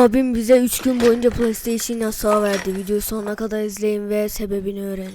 Abim bize 3 gün boyunca PlayStation yasağı verdi. Videoyu sonuna kadar izleyin ve sebebini öğrenin.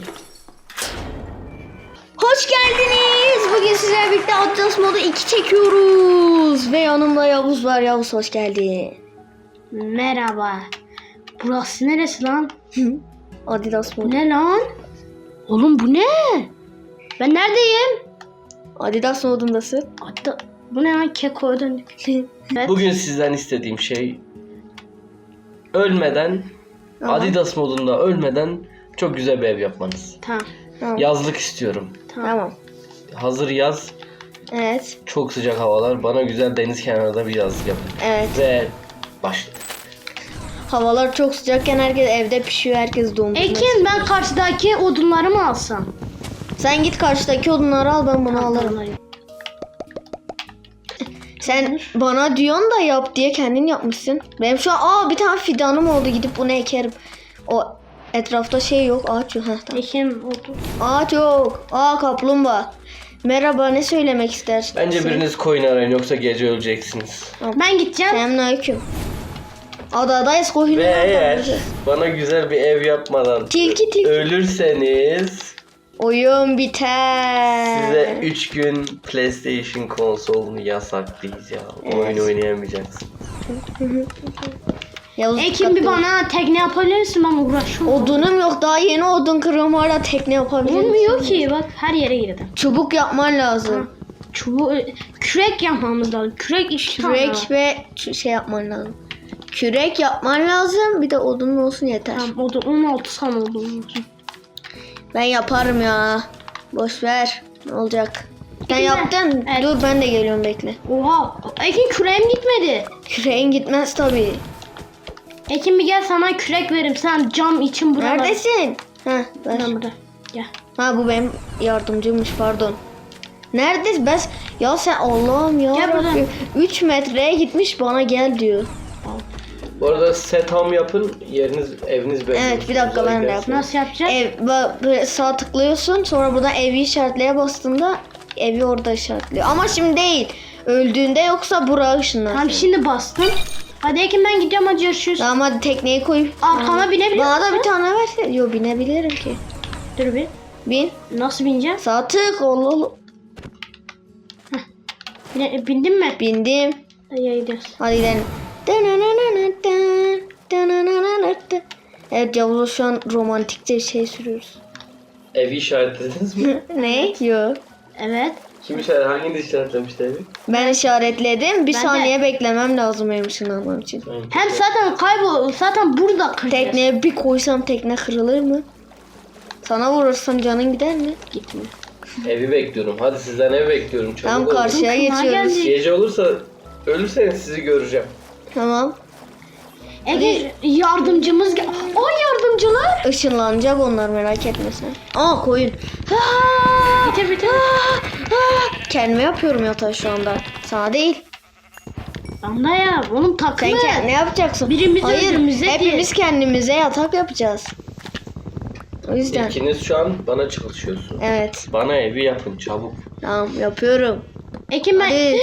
Hoş geldiniz. Bugün sizlerle birlikte Adidas Modu 2 çekiyoruz. Ve yanımda Yavuz var. Yavuz hoş geldin. Merhaba. Burası neresi lan? Adidas Modu. Ne lan? Oğlum bu ne? Ben neredeyim? Adidas Modu'ndasın. Hatta bu ne lan, Keko'ya döndük. Evet. Bugün sizden istediğim şey ölmeden, Adidas modunda ölmeden çok güzel bir ev yapmanız. Tamam. Yazlık istiyorum. Tamam. Hazır yaz, Evet. çok sıcak havalar. Bana güzel deniz kenarında bir yazlık yapın. Evet. Ve başladık. Havalar çok sıcakken herkes evde pişiyor. Herkes donmuş. Ekin, ben karşıdaki odunları mı alsam? Sen git karşıdaki odunları al, ben bunu alırım. Sen bana diyorsun da yap diye kendin yapmışsın. Benim şu an bir tane fidanım oldu, gidip bunu ekerim. O etrafta şey yok, ağaç yok. Heh, tamam. Ekin oldu. Ağaç yok. Kaplumbağa. Merhaba, ne söylemek istersin? Bence biriniz koyun arayın, yoksa gece öleceksiniz. Ben gideceğim. Selamünaleyküm. Adadayız, koyun. Ve eğer bana güzel bir ev yapmadan Tilki. ölürseniz Oyun biter. size 3 gün PlayStation konsolunu yasaklayacağım. Oyun oynayamayacaksın. Yavuz, Ekin, bir bana tekne yapabilir misin? Ben uğraşıyorum. Odunum yok, daha yeni odun kırıyorum, hala tekne yapabilirim. Olmuyor ki, bak her yere girdim. Çubuk yapman lazım. Çubuğu, kürek yapmamız lazım. Kürek işte. Kürek ve şey yapman lazım. Kürek yapman lazım. Bir de odun olsun yeter. Tamam, o da 16 tane odun olsun. Ben yaparım ya. Boş ver. Ne olacak? Sen Peki yaptın. evet. Dur, ben de geliyorum, bekle. Oha. Ekin, küreğim gitmedi. Küreğin gitmez tabii. Ekin, bir gel, sana kürek veririm. Sen cam için burada. Neredesin? Ver. Ben burada. Gel. Bu benim yardımcımmış, pardon. Neredesin? Ya sen Allah'ım ya. Gel buradan. 3 metreye gitmiş, bana gel diyor. Bu arada set ham yapın, eviniz belli. Evet, bir dakika, ben de yapayım. Nasıl yapacağız? Böyle sağ tıklıyorsun, sonra buradan evi işaretleye bastığında evi orada işaretliyor. Ama şimdi değil. Öldüğünde, yoksa buraya ışınlarsın. Tamam, şimdi bastım. Hadi Ekin, ben gidiyorum, hadi görüşürüz. Tamam, hadi tekneyi koy. Arkama binebilir Bana da misin? bir tane verse. Yok, binebilirim ki. Dur bir. Bin. Nasıl bineceğim? Sağ tık. Allah. Bindin mi? Bindim. Hadi gidiyoruz. Hadi gidelim. Evet, Yavuz'a şu an romantikçe bir şey sürüyoruz. Evi işaretlediniz mi? Ne? Yok. Evet. Hanginiz işaretlemişti evi? Ben işaretledim. Bir Ben de. saniye beklemem lazım benim ışınlanmam için. Hem zaten zaten burada kıracağız. Tekneye bir koysam tekne kırılır mı? Sana vurursam canın gider mi? Gitmiyor. Evi bekliyorum. Hadi sizden ev bekliyorum. Çabuk Tam olun. karşıya Kulağa geçiyoruz. geldi. Gece olursa ölürseniz sizi göreceğim. Tamam. Ege, yardımcımız gel. Yardımcılar. Işınlanacak onlar, merak etme sen. Koyun. Bitir. Kendime yapıyorum yatağı şu anda. Sana değil. Anla ya, oğlum Sen takma. ne yapacaksın? Birimiz Hayır, öbürümüze hepimiz kendimize yatak yapacağız. O yüzden. İkiniz şu an bana çalışıyorsunuz. Evet. Bana evi yapın çabuk. Tamam, yapıyorum. Ekin, ben Hadi.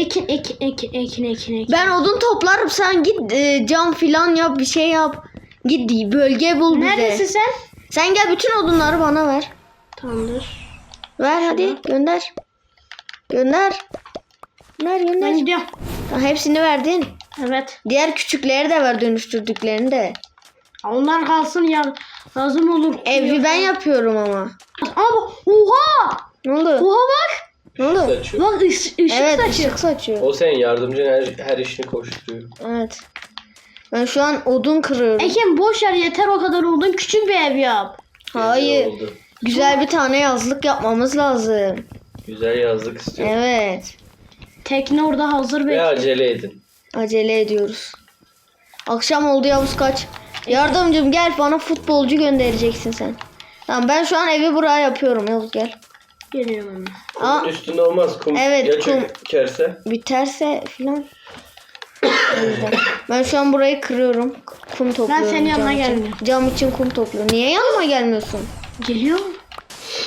Ekin. Ben odun toplarım, sen git cam filan yap, bir şey yap. Git bölge bul bize. Neredesin sen? Sen gel, bütün odunları bana ver. Tamamdır. Ver hadi, gönder. Gönder. Ben Gönder. gidiyorum. Tamam, hepsini verdin. Evet. Diğer küçükleri de ver, dönüştürdüklerini de. Onlar kalsın ya. Lazım olur. Evi ben yapıyorum ama. Ama oha! Ne oldu? Oha bak. Ne oldu? Saçıyor. Bak ışık Evet, saçıyor. ışık saçıyor. O senin yardımcın, her işini koşturuyor. Evet. Ben şu an odun kırıyorum. Ekin, boş ver, yeter o kadar oldun. Küçük bir ev yap. Hayır. Güzel oldu. Güzel bir tane yazlık yapmamız lazım. Güzel yazlık istiyorum. Evet. Tekne orada hazır Ve bekliyor. acele edin. Acele ediyoruz. Akşam oldu Yavuz, kaç. Yardımcım gel, bana futbolcu göndereceksin sen. Tamam, ben şu an evi buraya yapıyorum, Yavuz gel. Geliyorum hemen. Aa, Kumun üstünde olmaz. Kum Evet, ya kum. çökerse. biterse filan. O yüzden. Ben şu an burayı kırıyorum. Kum topluyorum. senin yanına cam için. gelmiyorum. Cam için kum topluyorum. Niye yanıma gelmiyorsun? Geliyor.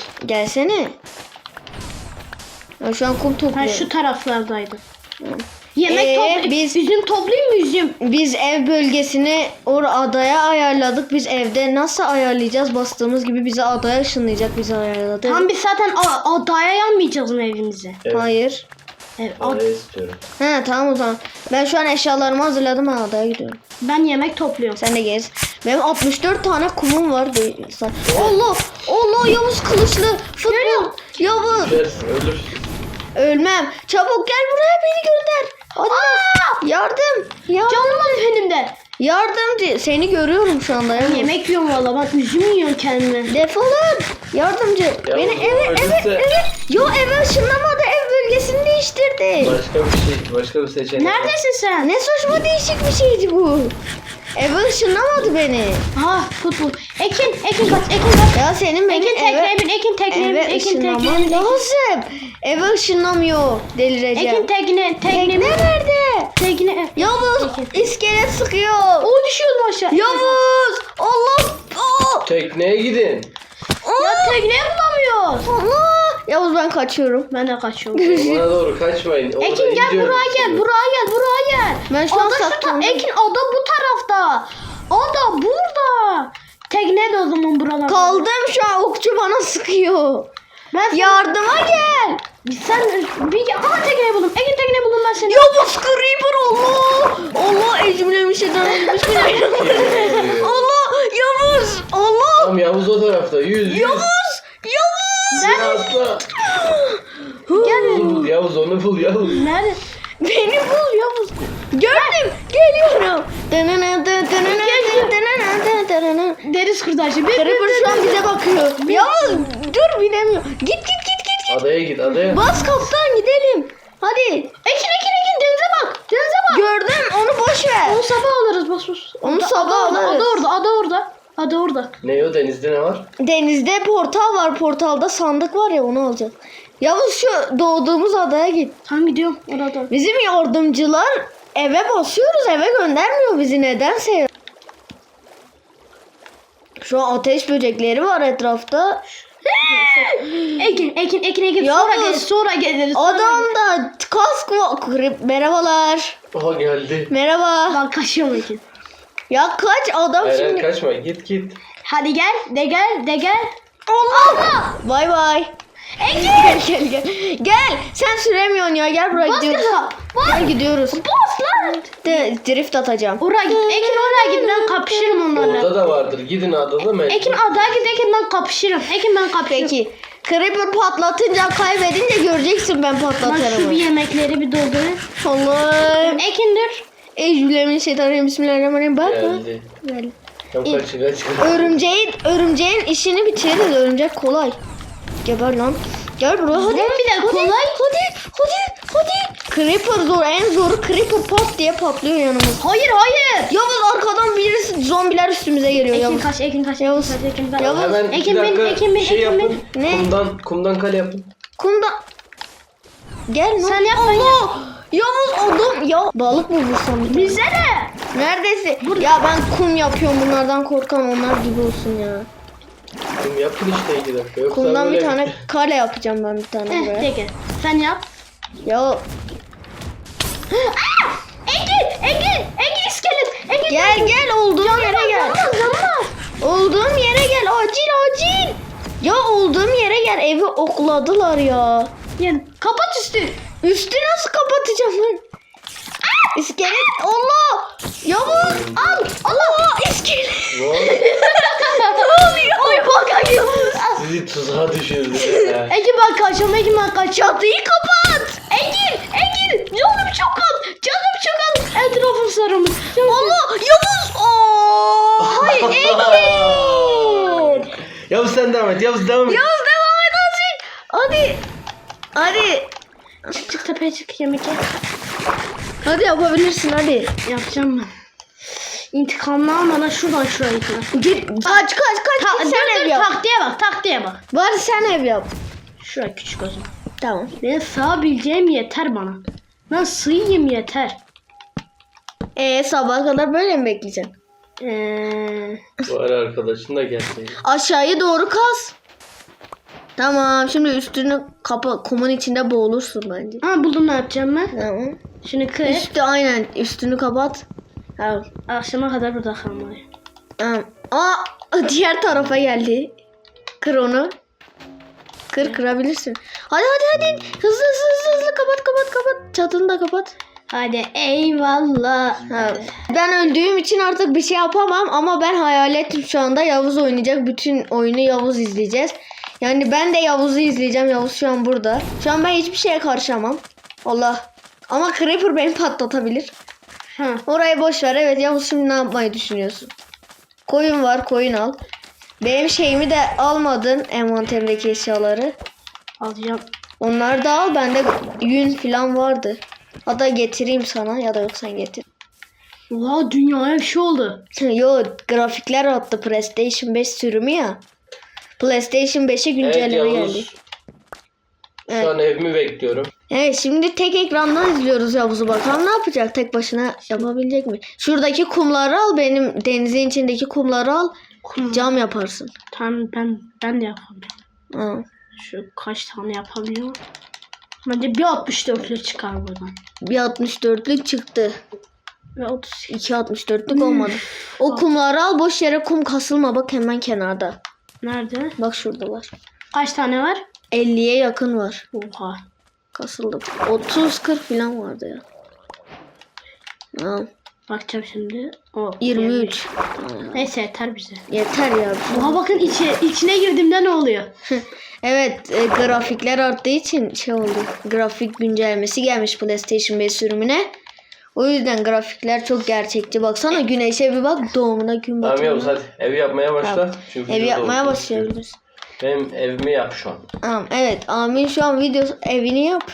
Gelsene. Ben şu an kum Ben topluyorum. şu taraflardaydım. Yemek toplayayım. biz- Üzüm toplayayım mı üzüm? Biz ev bölgesini adaya ayarladık. Biz evde nasıl ayarlayacağız? Bastığımız gibi bizi adaya ışınlayacak, bizi ayarladı. Tam biz zaten adaya yanmayacağız mı evimize? Evet. Hayır. Evet, Adaya istiyorum. He tamam o zaman. Ben şu an eşyalarımı hazırladım, ben adaya gidiyorum. ben yemek topluyorum. Sen de gez. Benim 64 tane kumum var. Allah! Allah, Yavuz kılıçlı. Futbol. Yavuz. Düşersin, ölürsün. Ölmem. Çabuk gel buraya, beni gönder. Hadi. Yardım. Yardım. Canım benim de. Yardımcı. Seni görüyorum şu anda. Yavuz. Yemek yiyorum valla, ben üzüm yiyorum kendime. Defolun. Yardımcı. Beni öldürse- Yo, eve ışınlamadı. Ev bölgesini değiştirdi. Başka bir seçenek. Neredesin sen? Ne saçma değişik bir şeydi bu. Eve ışınlamadı beni. Ha, futbol. Ekin kaç, Ekin kaç. Ya senin beni Ekin tekneye bin, Ekin tekneye bin, eve Ekin tekneye ışınlaman bin. lazım. Eve ışınlamıyor. Delireceğim. Ekin tekne Tekne nerede? tekne. Yavuz Ekin. iskelet sıkıyor. O düşüyordum aşağı. Yavuz. Allah. Oh. Tekneye gidin. Ya tekneyi bulamıyoruz. Allah. Yavuz ben kaçıyorum. Ben de kaçıyorum. Bana doğru kaçmayın. Orada Ekin gel gidiyorum. buraya gel, buraya gel. Ben şu an Ada şu saklandım. Ekin ada bu tarafta. Ada burada. Tekne de o zaman buralarda. Kaldım şu an, okçu bana sıkıyor. Ben sana- Yardıma gel. Sen bir aha tekneyi buldum. Ekin tekneyi buldum ben seni. Yavuz Creeper, Allah. Allah ecmilemiş ederim. Bismillahirrahmanirrahim. Allah Yavuz. Allah. Tamam, Yavuz o tarafta. Yüz. Yavuz. Yavuz. Sen atla. Gel. Onu bul Yavuz, onu bul Yavuz. Nerede? Beni bul Yavuz. Gördüm. Geliyorum. Deniz kurtarıcı. Creeper şu an bize bakıyor. Yavuz dur, binemiyor. Git. Adaya git, adaya. Bas kaptan, gidelim. Hadi. Ekin denize bak. Denize bak. Gördüm, onu boş ver. Onu sabah alırız bas. Onu sabah alırız. Ada orada. Ne o, denizde ne var? Denizde portal var. Portalda sandık var ya, onu alacağız. Yavuz şu doğduğumuz adaya git. Tamam gidiyorum orada. Bizim yardımcılar eve basıyoruz, eve göndermiyor bizi nedense. Şu an ateş böcekleri var etrafta. Ekin. Yavuz. Sonra geliriz. Adamda kask var. Merhabalar. Oha, geldi. Merhaba. Ben kaçıyorum Ekin. Ya kaç adam Eren şimdi. kaçma, git. Hadi gel. De gel. Allah. Bay bay. Gel. Gel. Sen süremiyorsun ya. Gel buraya Bas gidiyoruz. gaza. Gel gidiyoruz. Bas lan. Drift atacağım. Oraya git. Ekin oraya git. Ben kapışırım onlarla. Orada da vardır. Gidin adada mı? Ekin adaya git. Ekin ben kapışırım. Peki. Creeper patlatınca, kaybedince göreceksin ben Ben şu bir patlatırım. yemekleri bir doldurayım. Allah'ım. Ekin dur. Eyyühülemişşeytanirracim. Bismillahirrahmanirrahim. Bak. Geldi. Geldi. Tamam, kaç. Örümceğin işini bitiririz. Örümcek kolay. Geber lan. Gel buraya hadi. Zombi de kolay. Hadi. Creeper zor. En zoru Creeper pat diye patlıyor yanımız. Hayır. Yavuz arkadan birisi, zombiler üstümüze geliyor. Ekin Yavuz. kaç. Yavuz. Ekin kaç. Yavuz. Hemen Ekin 2 bin, dakika Ekin bin, şey Ekin bin. yapın. Ne? Kumdan kale yapın. Kumda. Gel lan. Sen yap, ben Allah. Yavuz oldum. Ya balık mı vursam bir tane? Bize de. Neredesin? Ya ben kum yapıyorum, bunlardan korkan onlar gibi olsun ya. Kum yapın işte 2 dakika. Yoksa Kumdan bir böyle- tane kale yapacağım ben, bir tane buraya. Peki. Sen yap. Ya Ekin iskelet. Ekin. gel olduğum yere gel. Canım. Olduğum yere gel, acil. Ya olduğum yere gel, evi okladılar ya. Gel. Kapat üstü. Üstü nasıl kapatacağım ben? İskelet. Allah. Yavuz al. Allah iskelet. Ne oldu? Ne oluyor? Oy bak Yavuz. Sizi tuzağa düşürdü. ya. Ekin ben kaçıyorum. Çatıyı kapat. Ekin. Canım çok az. Etrafım sarılmış. Allah Yavuz. Oo. Hayır Ekin. Yavuz sen devam et. Yavuz devam et. Yavuz devam et azıcık. Hadi. Çık tepeye çık yemek ye. Hadi yapabilirsin hadi. Yapacağım ben. İntikamını almadan şuradan şuraya gitme. Git. Kaç. Git sen ev yap. Taktiğe bak. Bari sen ev yap. Şuraya küçük olsun. Tamam. Ben sığabileceğim yeter bana. Ben sığayım yeter. Sabaha kadar böyle mi bekleyeceksin? Bu ara arkadaşın da geldi. Aşağıya doğru kaz. Tamam şimdi üstünü kapa, kumun içinde boğulursun bence. Ama buldum ne yapacağım ben. Tamam. Şunu kır. Üstü aynen üstünü kapat. Tamam. Akşama kadar burada kalmalıyım. Tamam. Aa diğer tarafa geldi. Kır onu. Kırabilirsin. Hadi. Hızlı kapat. Çatını da kapat. Hadi eyvallah. Ha. Ben öldüğüm için artık bir şey yapamam ama ben hayal ettim şu anda Yavuz oynayacak. Bütün oyunu Yavuz izleyeceğiz. Yani ben de Yavuz'u izleyeceğim. Yavuz şu an burada. Şu an ben hiçbir şeye karışamam. Allah. Ama Creeper beni patlatabilir. Ha. Orayı boş ver. Evet Yavuz şimdi ne yapmayı düşünüyorsun? Koyun var, koyun al. Benim şeyimi de almadın, envanterimdeki eşyaları. Alacağım. Onları da al. Bende yün falan vardı. Hatta getireyim sana ya da yok sen getir. Wow, dünyaya bir şey oldu. Yo grafikler attı PlayStation 5 sürümü ya. PlayStation 5'e güncelleme Evet geldi. Yavuz. Şu an evimi bekliyorum. Evet şimdi tek ekrandan izliyoruz Yavuz'u, bakalım ne yapacak, tek başına yapabilecek mi? Şuradaki kumları al, benim denizin içindeki kumları al, cam yaparsın. Tamam ben de yapabilirim. Ha. Şu kaç tane yapabiliyorum? Bence bir 64'lük çıkar buradan. Bir 64'lük çıktı. Ve 30. 2 64'lük olmadı. O kumları al, boş yere kum kasılma, bak hemen kenarda. Nerede? Bak şuradalar. Kaç tane var? 50'ye yakın var. Oha. Kasıldı. 30-40 falan vardı ya. Tamam. Bakacağım şimdi. O 23. Neyse yeter bize. Yeter ya. Oha bakın içine girdiğimde ne oluyor? Evet grafikler arttığı için şey oldu. Grafik güncellemesi gelmiş PlayStation 5 sürümüne. O yüzden grafikler çok gerçekçi. Baksana güneşe bir bak, doğumuna gün Tamam Yavuz batımına. hadi evi yapmaya başla. Tamam. Çünkü Evi videoda yapmaya olduğunu başlayabiliriz. Benim evimi yap şu an. Tamam evet Amin şu an evini yap.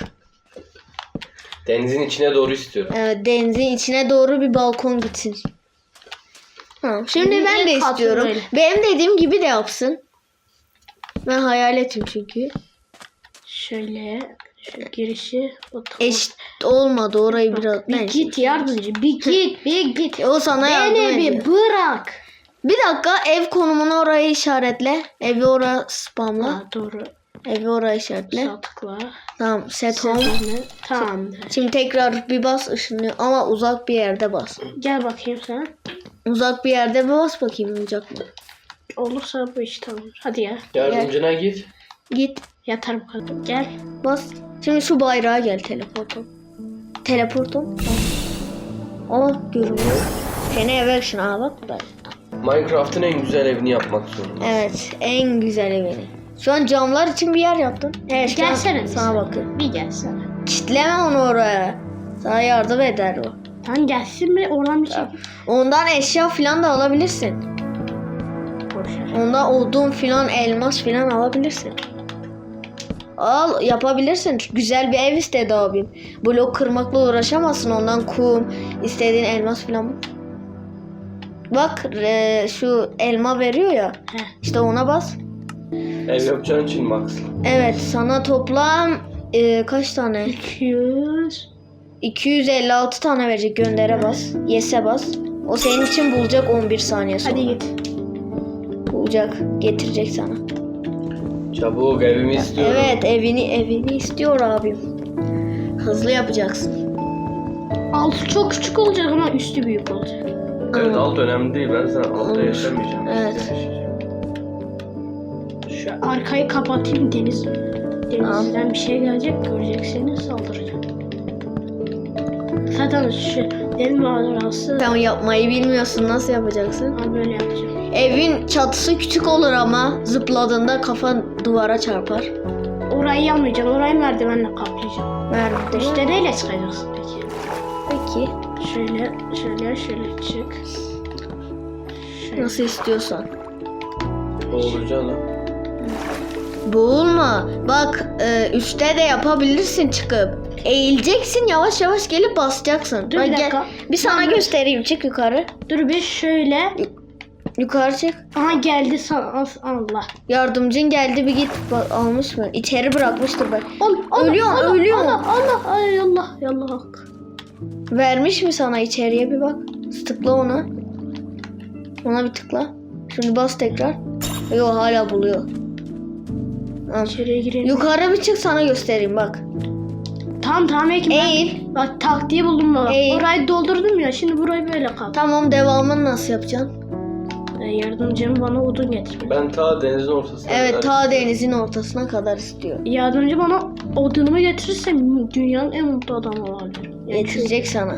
Denizin içine doğru istiyorum. Evet denizin içine doğru bir balkon gitsin. Tamam şimdi Benim ben de en tatlı istiyorum. böyle. Benim dediğim gibi de yapsın. Ben hayal ettim çünkü. Şöyle şu girişi Eşit olmadı orayı biraz. bir git yardımcı. Bir git. O sana yardım Beni ediyor. bir bırak. Bir dakika ev konumunu oraya işaretle. Evi oraya spamla. Ha, doğru. Evi oraya işaretle. Sağ tıkla. Tamam set home. Tamamdır. Şimdi tekrar bir bas ışınlıyor ama uzak bir yerde bas. Gel bakayım sen. Uzak bir yerde bir bas bakayım olacak mı? Olursa bu iş tamam. Hadi ya. Yardımcına git. Git Yatar bu kadar. Gel. bas. Şimdi şu bayrağa gel teleportum. Teleportum. Aa görünüyor. Seni eve ışın bak buraya. Minecraft'ın en güzel evini yapmak zorunda. Evet en güzel evini. Şu an camlar için bir yer yaptın. Evet şu an Gelsene. sana bakın. Bir gelsene. Kitleme onu oraya. Sana yardım eder o. Tamam gelsin mi? Oradan bir şey. Ondan eşya falan da alabilirsin. Boşver. Ondan odun falan, elmas falan alabilirsin. Al yapabilirsin. Güzel bir ev istedi abim. Blok kırmakla uğraşamazsın. Ondan kum, istediğin elmas falan. Bak şu elma veriyor ya. Heh. İşte ona bas. Ev yapacağın için Max. Evet sana toplam kaç tane? 200. 256 tane verecek. Göndere bas. Yes'e bas. O senin için bulacak 11 saniye sonra. Hadi git. Bulacak. Getirecek sana. Çabuk evimi istiyorum. Evet evini istiyor abim. Hızlı yapacaksın. Altı çok küçük olacak ama üstü büyük olacak. Evet alt önemli değil. Ben sana altta Olur. yaşamayacağım. Evet. Şu arkayı kapatayım denizden bir şey gelecek göreceksiniz saldıracak. Zaten şu deniz manzarası Tamam yapmayı bilmiyorsun. Nasıl yapacaksın? ben böyle yapacağım. Evin çatısı küçük olur ama zıpladığında kafan duvara çarpar. Orayı yapmayacağım. Orayı merdivenle kaplayacağım. Nerede? İşte neyle çıkacaksın peki? Peki. Şöyle çık. Şöyle. Nasıl istiyorsan. Olacaksın ha. Boğulma. Bak üstte de yapabilirsin çıkıp. Eğileceksin yavaş yavaş gelip basacaksın. Dur Bak, bir gel. dakika. Bir sana göstereyim. Çık yukarı. Dur bir şöyle. Yukarı çık. Aha geldi Allah. Yardımcın geldi bir git. Bak, almış mı? İçeri bırakmıştır bak. Ölüyor. Allah ay Allah yallah. Vermiş mi sana içeriye bir bak. Tıkla ona. Ona bir tıkla. Şimdi bas tekrar. Yok hala buluyor. Al. İçeriye girelim. Yukarı bir çık sana göstereyim bak. Tamam Ekim. Eğil. Bak taktiği buldum bak. Eğil. Orayı doldurdum ya. Şimdi burayı böyle kal. Tamam, devamını nasıl yapacaksın? Yardımcım bana odun getir. Ben ta denizin ortasına Evet, kadar- ta denizin ortasına kadar istiyor. Yardımcı bana odunumu getirirsem dünyanın en mutlu adamı olabilirim. Getirecek sana.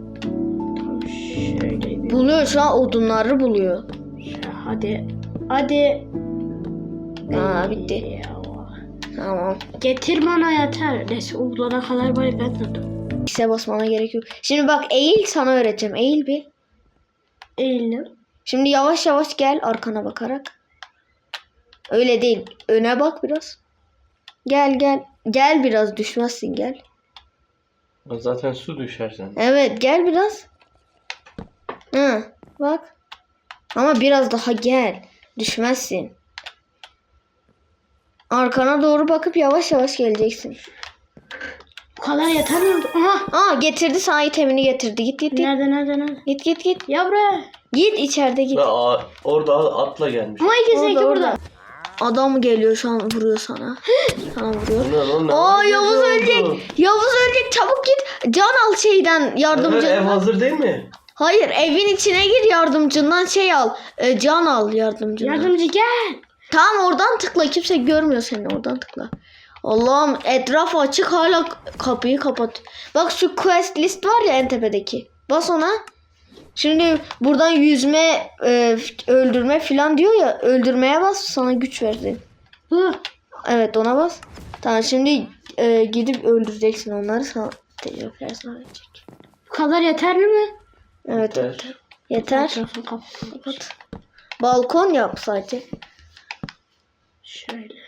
Şöyle bir. Buluyor şu an, odunları buluyor. Hadi. Hadi. Aa, bitti. Ya. Tamam. Getir bana yeter. Neyse o bulana kadar bari ben tuttum. X'e basmana gerek yok. Şimdi bak, eğil, sana öğreteceğim. Eğil bir. Eğilim. Şimdi yavaş yavaş gel arkana bakarak. Öyle değil. Öne bak biraz. Gel gel. Gel biraz, düşmezsin, gel. Zaten su düşersen. Evet, gel biraz. Hı, bak. Ama biraz daha gel. Düşmezsin. Arkana doğru bakıp yavaş yavaş geleceksin. Bu kadar yeter mi? Aha. Aa, getirdi, sana itemini getirdi. Git git git. Nerede? Git git git. Ya buraya. Git içeride git. Ve orada atla gelmiş. Ama ikisi Orada, burada. orada. Adam geliyor şu an, vuruyor sana. Sana vuruyor. O ne? Aa, Ne Yavuz oldu? ölecek. Yavuz ölecek. Çabuk git. Can al şeyden, Evet, yardımcından. ev hazır değil mi? Hayır, evin içine gir, yardımcından şey al. Can al yardımcından. Yardımcı gel. Tamam, oradan tıkla. Kimse görmüyor seni. Oradan tıkla. Allah'ım, etraf açık, hala kapıyı kapat. Bak, şu quest list var ya en tepedeki. Bas ona. Şimdi buradan yüzme, öldürme falan diyor ya. Öldürmeye bas, sana güç verdi. Bu. Evet, ona bas. Tamam, şimdi gidip öldüreceksin onları, sana tecrübeler sağlayacak. Bu kadar yeterli mi? Evet, Yeter. yeter. Yeter. Etrafını kapat. Balkon yap sadece. Şöyle.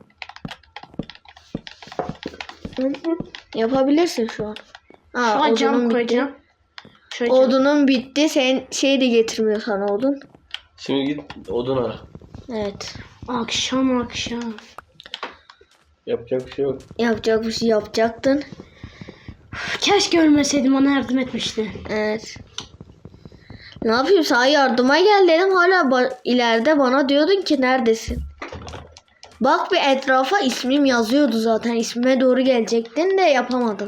Yapabilirsin şu an. Aa, Şuna cam odunun bitti. koyacağım. Şöyle cam. Odunun bitti. Sen şey de getirmiyor sana odun. Şimdi git odun ara. Evet. Akşam. Yapacak bir şey yok. Yapacak bir şey yapacaktın. Keşke ölmeseydim, bana yardım etmişti. Evet. Ne yapayım, sana yardıma gel dedim. Hala ileride bana diyordun ki neredesin? Bak bir etrafa, ismim yazıyordu zaten. İsmime doğru gelecektin de yapamadın.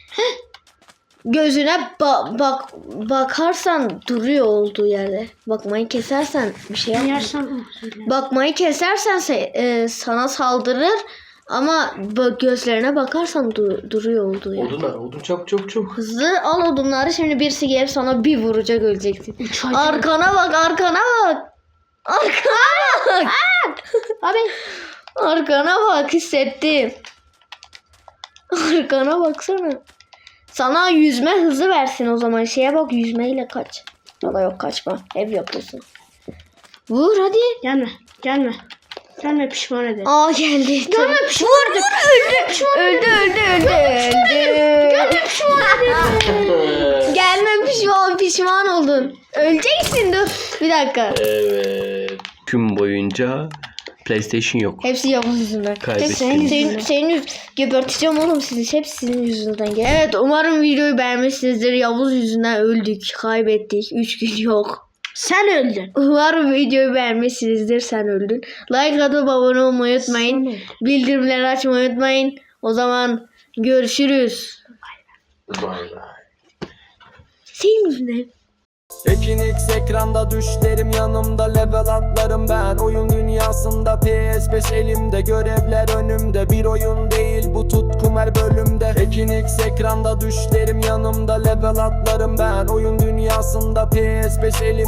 Gözüne bakarsan duruyor olduğu yerde. Bakmayı kesersen bir şey yapmaz. Yersen Bakmayı kesersen sana saldırır. Ama gözlerine bakarsan duruyor olduğu yerde. Odun ara. Odun çabuk. Hızlı al odunları, şimdi birisi gelip sana bir vuracak, öleceksin. Arkana bak. Arkana bak. Abi. Arkana bak, hissettim. Arkana baksana. Sana yüzme hızı versin o zaman. Şeye bak, yüzmeyle kaç. Ya da yok, kaçma. Ev yapıyorsun. Vur hadi. Gelme pişman ederim. Aa, geldi. Gelme pişman ederim. Öldü. Gelme, pişman oldun. Öleceksin, dur. Bir dakika. Evet. Gün boyunca PlayStation yok. Hepsi Yavuz yüzünden. Kaybettim. Senin geberteceğim oğlum sizi. Hepsi sizin yüzünden. Evet, umarım videoyu beğenmişsinizdir. Yavuz yüzünden öldük. Kaybettik. 3 gün yok. Sen öldün. Umarım videoyu beğenmişsinizdir. Sen öldün. Like atıp abone olmayı unutmayın. Bildirimleri açmayı unutmayın. O zaman görüşürüz. Bay. Senin yüzünden. Ekin X ekranda düşlerim yanımda, level atlarım ben oyun dünyasında. PS5 elimde, görevler önümde, bir oyun değil bu tutkum her bölümde. Ekin X ekranda düşlerim yanımda, level atlarım ben oyun dünyasında. PS5 elimde.